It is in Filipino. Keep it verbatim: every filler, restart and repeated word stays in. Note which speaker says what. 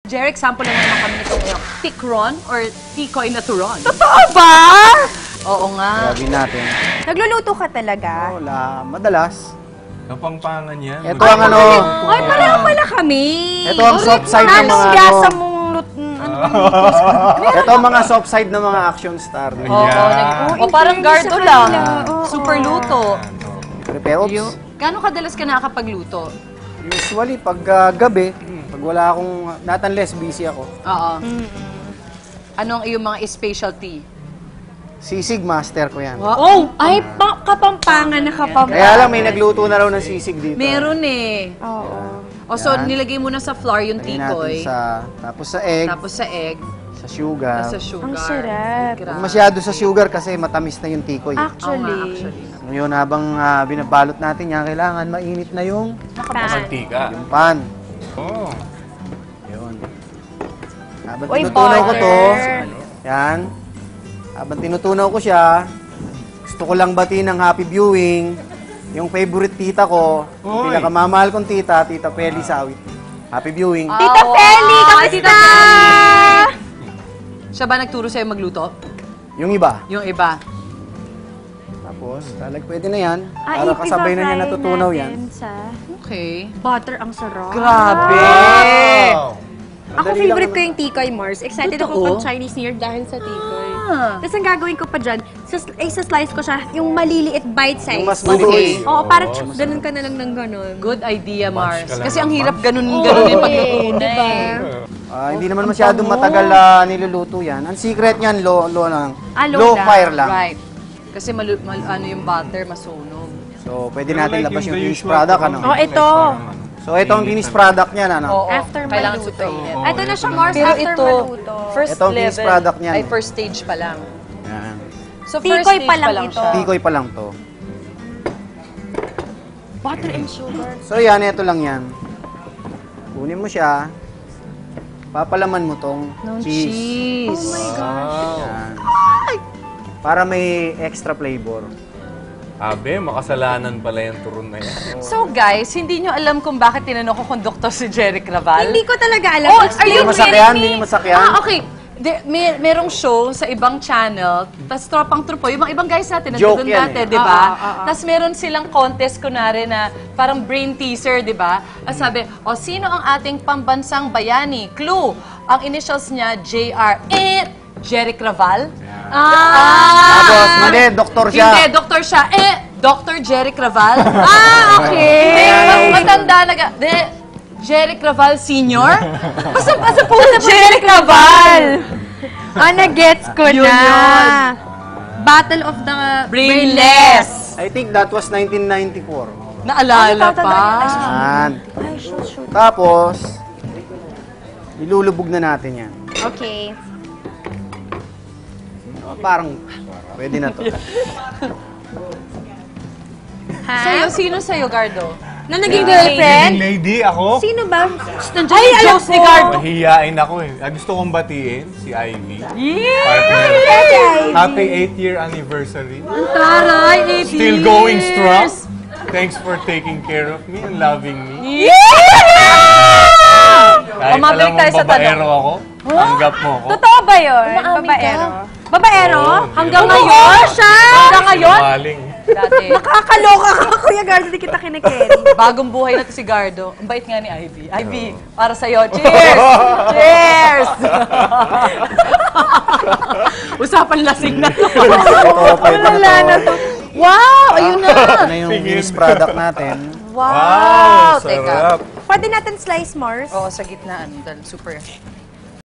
Speaker 1: Jeric, sample na naman kami nito ngayon. Tikron or tikoy na turon?
Speaker 2: Totoo ba?
Speaker 1: Oo nga.
Speaker 3: Gawin natin.
Speaker 2: Nagluluto ka talaga?
Speaker 3: Wala, madalas.
Speaker 4: Kapangpangan yan.
Speaker 3: Ito ang ano,
Speaker 2: Ay, pareho pala kami.
Speaker 3: ito ang soft side ng mga ano.
Speaker 2: Gasa mong lut... Ano
Speaker 3: Ito ang mga soft side ng mga action star.
Speaker 1: Oo,
Speaker 4: Yeah.
Speaker 1: nag- o parang
Speaker 2: in
Speaker 1: gardo
Speaker 2: fairness sa
Speaker 1: lang.
Speaker 2: kanila, oo.
Speaker 1: Super luto.
Speaker 3: Prepare, oops.
Speaker 1: Yung, gano'ng kadalas ka nakakapagluto?
Speaker 3: Usually, pag ah, gabi, pag wala akong, not unless busy ako,
Speaker 1: Oo. Anong iyong mga specialty?
Speaker 3: sisig master ko yan.
Speaker 2: Oh! Ay, pa kapampangan na kapampangan.
Speaker 3: Kaya lang, may nagluto na raw ng sisig dito.
Speaker 1: Meron eh.
Speaker 2: Oo.
Speaker 1: O so,
Speaker 3: Yan.
Speaker 1: nilagay mo na sa flour yung
Speaker 3: Lagyan natin
Speaker 1: tikoy.
Speaker 3: sa, tapos sa egg,
Speaker 1: Tapos sa egg.
Speaker 3: sa sugar.
Speaker 1: Sa sugar.
Speaker 2: Ang sarap.
Speaker 1: Grabe.
Speaker 3: Huwag masyado sa sugar kasi matamis na yung tikoy.
Speaker 1: Oo nga,
Speaker 2: Actually.
Speaker 1: actually.
Speaker 3: Ngayon, habang ah, binabalot natin yan, kailangan mainit na yung,
Speaker 2: Pan.
Speaker 4: Mantika.
Speaker 3: yung pan.
Speaker 4: Oh.
Speaker 3: Yun. Habang
Speaker 2: Uy,
Speaker 3: tinutunaw ko to,
Speaker 2: butter.
Speaker 3: yan. Habang tinutunaw ko siya, gusto ko lang batiin ng happy viewing. Yung favorite tita ko, yung
Speaker 4: Uy.
Speaker 3: pinakamamahal kong tita, Tita Peli Sawit. Happy viewing.
Speaker 2: Tita
Speaker 1: Oh,
Speaker 2: Feli,
Speaker 1: wow.
Speaker 2: kamusta?
Speaker 1: Tita Feli. Siya ba nagturo sa'yo magluto?
Speaker 3: Yung iba.
Speaker 1: Yung iba.
Speaker 3: Tapos, talag pwede na yan.
Speaker 2: Ah,
Speaker 3: Para kasabay na niya
Speaker 2: ipipafry
Speaker 3: natutunaw
Speaker 2: natin
Speaker 3: yan.
Speaker 2: Sa
Speaker 1: Okay.
Speaker 2: butter ang sarap.
Speaker 1: Grabe!
Speaker 4: Wow.
Speaker 2: Ako
Speaker 3: Madali
Speaker 2: favorite
Speaker 3: lang
Speaker 2: ko yung tikoy, Mars. Excited
Speaker 1: Totoo?
Speaker 2: ako pag Chinese New Year dahil sa tikoy.
Speaker 1: Ah.
Speaker 2: Tapos ang gagawin ko pa dyan, sa, ay, sa slice ko siya, yung maliliit bite size.
Speaker 3: Yung mas
Speaker 1: Okay.
Speaker 3: maliit.
Speaker 2: Oo, para
Speaker 4: Oo,
Speaker 2: tsk, ganun ka na lang ng ganun.
Speaker 1: Good idea, Mars.
Speaker 4: ka lang
Speaker 1: Kasi
Speaker 4: ng
Speaker 1: ang hirap
Speaker 4: punch.
Speaker 1: ganun-ganun yung pagluto na
Speaker 2: diba?
Speaker 1: eh.
Speaker 3: Ah, hindi naman masyadong matagal ah, niluluto yan. Ang secret niyan, low, low, lang.
Speaker 2: Ah, low
Speaker 3: low
Speaker 2: lang.
Speaker 3: fire lang.
Speaker 1: Right. Kasi malu- mal- ano yung butter, masunog.
Speaker 3: So, pwede
Speaker 4: Pero
Speaker 3: natin
Speaker 4: like
Speaker 3: labas
Speaker 4: yung
Speaker 3: yung
Speaker 4: the
Speaker 3: finished
Speaker 4: usual
Speaker 3: product.
Speaker 4: parang
Speaker 3: Ano?
Speaker 2: Oh, ito.
Speaker 4: parang ano.
Speaker 3: So, ito ang finished product niyan. Ano?
Speaker 1: Oo.
Speaker 2: After
Speaker 1: Kailangan
Speaker 2: maluto.
Speaker 1: super init.
Speaker 4: Oo,
Speaker 2: Ito na siya,
Speaker 4: ito
Speaker 2: Mars,
Speaker 1: Pero
Speaker 2: after
Speaker 1: ito,
Speaker 2: maluto.
Speaker 1: first
Speaker 3: Ito ang finished
Speaker 1: level,
Speaker 3: product niyan.
Speaker 1: ay first stage pa lang.
Speaker 3: Yan.
Speaker 1: So, first
Speaker 2: Tikoy
Speaker 1: stage
Speaker 2: pa lang ito.
Speaker 1: siya.
Speaker 3: Tikoy pa lang to.
Speaker 2: Butter and sugar.
Speaker 3: So, yan. Ito lang yan. Kunin mo siya. Papalaman mo tong
Speaker 1: No
Speaker 3: cheese.
Speaker 1: cheese.
Speaker 2: Oh my gosh.
Speaker 3: Yan. Para may extra flavor.
Speaker 4: Abe, makasalanan pala yung turon na yan.
Speaker 1: So guys, hindi nyo alam kung bakit tinanong ko kung Doktor si Jeric Raval?
Speaker 2: Hindi ko talaga alam.
Speaker 1: Oh, are
Speaker 3: Hindi
Speaker 1: you
Speaker 3: mo masakyan,
Speaker 1: kidding
Speaker 3: hindi
Speaker 1: me?
Speaker 3: mo masakyan.
Speaker 1: Ah, okay. De, may, merong show sa ibang channel, tas tropang trupo, yung mga ibang guys natin,
Speaker 3: Joke
Speaker 1: nandun
Speaker 3: yan
Speaker 1: dati,
Speaker 3: eh.
Speaker 1: di ba?
Speaker 2: Ah, ah, ah, ah.
Speaker 1: Tas meron silang contest, kunwari na parang brain teaser, di ba? At sabi, o sino ang ating pambansang bayani? Clue, ang initials niya, J R. Eh, Jeric Raval? Ah!
Speaker 3: Tapos, mali, doktor siya.
Speaker 1: Hindi, doktor siya. Eh, Doctor Jeric Raval? Ah, okay. Hindi, mas matanda na ka. De, Jeric Raval Senior? Basta, basta po na Jeric Raval!
Speaker 2: Ah, na-gets ko
Speaker 1: Yun
Speaker 2: na.
Speaker 1: yun.
Speaker 2: Battle of the
Speaker 1: Brainless!
Speaker 3: I think that was nineteen ninety-four.
Speaker 1: Naalala pa.
Speaker 3: Yan.
Speaker 2: Ay, shoot, shoot.
Speaker 3: Tapos, ilulubog na natin yan.
Speaker 2: Okay.
Speaker 3: Parang, pwede na to.
Speaker 2: Ha?
Speaker 1: Sa'yo, sino sa'yo, Gardo?
Speaker 2: Na naging
Speaker 4: Leading
Speaker 2: girlfriend?
Speaker 4: lady, ako.
Speaker 2: Sino ba? Nandiyan
Speaker 1: Ay,
Speaker 2: yung
Speaker 1: alam
Speaker 2: Diyos
Speaker 1: ni
Speaker 2: ko.
Speaker 1: Gardo.
Speaker 4: Mahihiyain ako eh. Ah, gusto kong batiin si Ivy.
Speaker 1: Yeah!
Speaker 4: Partner.
Speaker 2: Ivy.
Speaker 4: Happy eighth year anniversary.
Speaker 1: Taray, eight
Speaker 4: Still
Speaker 1: years.
Speaker 4: going strong. Thanks for taking care of me and loving me. Kahit
Speaker 1: O, mabalik
Speaker 4: alam
Speaker 1: tayo
Speaker 4: mong
Speaker 1: sa tanong.
Speaker 4: babaero ako, tanggap mo ako.
Speaker 2: Totoo ba yun?
Speaker 1: Umaamin
Speaker 2: Babaero?
Speaker 1: ka.
Speaker 2: Babaero?
Speaker 4: Oo,
Speaker 1: Hanggang
Speaker 4: di ba?
Speaker 1: ngayon?
Speaker 2: siya!
Speaker 1: Hanggang ngayon?
Speaker 4: Sinungaling.
Speaker 1: Dati.
Speaker 2: Nakakaloka ka, Kuya Gardo, di kita kinikerry.
Speaker 1: Bagong buhay na to si Gardo. Ang bait nga ni Ivy. Ivy, para sa'yo. Cheers! Cheers! Usapan lasing na to.
Speaker 3: Ito, pwede na
Speaker 2: Wala na
Speaker 3: to.
Speaker 2: to.
Speaker 1: Wow! Ayun na!
Speaker 3: Ito na yung
Speaker 4: Tingin.
Speaker 3: finished product natin.
Speaker 1: Wow!
Speaker 4: Wow,
Speaker 1: Teka.
Speaker 4: sarap.
Speaker 2: Pwede natin slice, Mars?
Speaker 1: Oo, sa gitnaan. Dahil super.